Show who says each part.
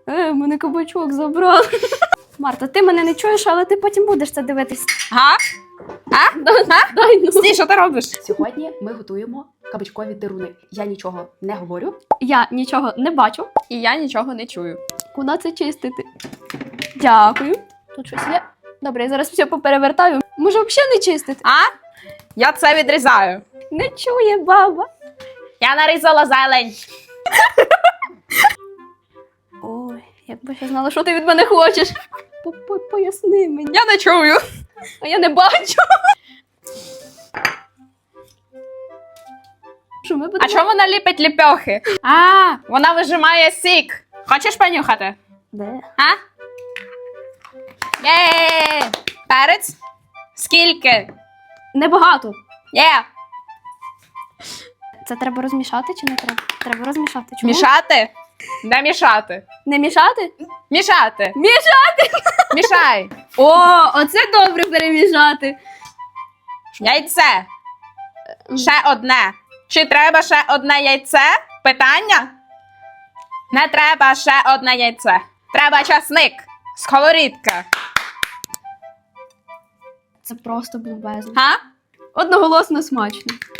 Speaker 1: Мене кабачок забрав. Марта, ти мене не чуєш, але ти потім будеш це дивитись.
Speaker 2: Га?
Speaker 1: Дай, ну.
Speaker 2: Стій, що ти робиш?
Speaker 3: Сьогодні ми готуємо кабачкові деруни. Я нічого не говорю.
Speaker 1: Я нічого не бачу.
Speaker 2: І я нічого не чую.
Speaker 1: Куди це чистити? Дякую. Тут щось є. Добре, я зараз все поперевертаю. Може, взагалі не чистити?
Speaker 2: Я це відрізаю.
Speaker 1: Не чує баба.
Speaker 2: Я нарізала зелень.
Speaker 1: Ой, якби я знала, що ти від мене хочеш. Поясни мені.
Speaker 2: Я не чую.
Speaker 1: А я не бачу. Що ми будемо?
Speaker 2: А чому вона ліпить ліпьохи? Вона вижимає сік. Хочеш понюхати?
Speaker 1: Де?
Speaker 2: Є! Перець? Скільки?
Speaker 1: Небагато.
Speaker 2: Є!
Speaker 1: Це треба розмішати чи не треба? Треба розмішати. Чому?
Speaker 2: Мішати? Не мішати.
Speaker 1: Не мішати?
Speaker 2: Мішати.
Speaker 1: Мішати!
Speaker 2: Мішай.
Speaker 1: О, оце добре перемішати.
Speaker 2: Яйце. Ще одне. Чи треба ще одне яйце? Питання? Не треба ще одне яйце. Треба часник. Сковорідка.
Speaker 1: Це просто бомбезно.
Speaker 2: Га?
Speaker 1: Одноголосно смачно.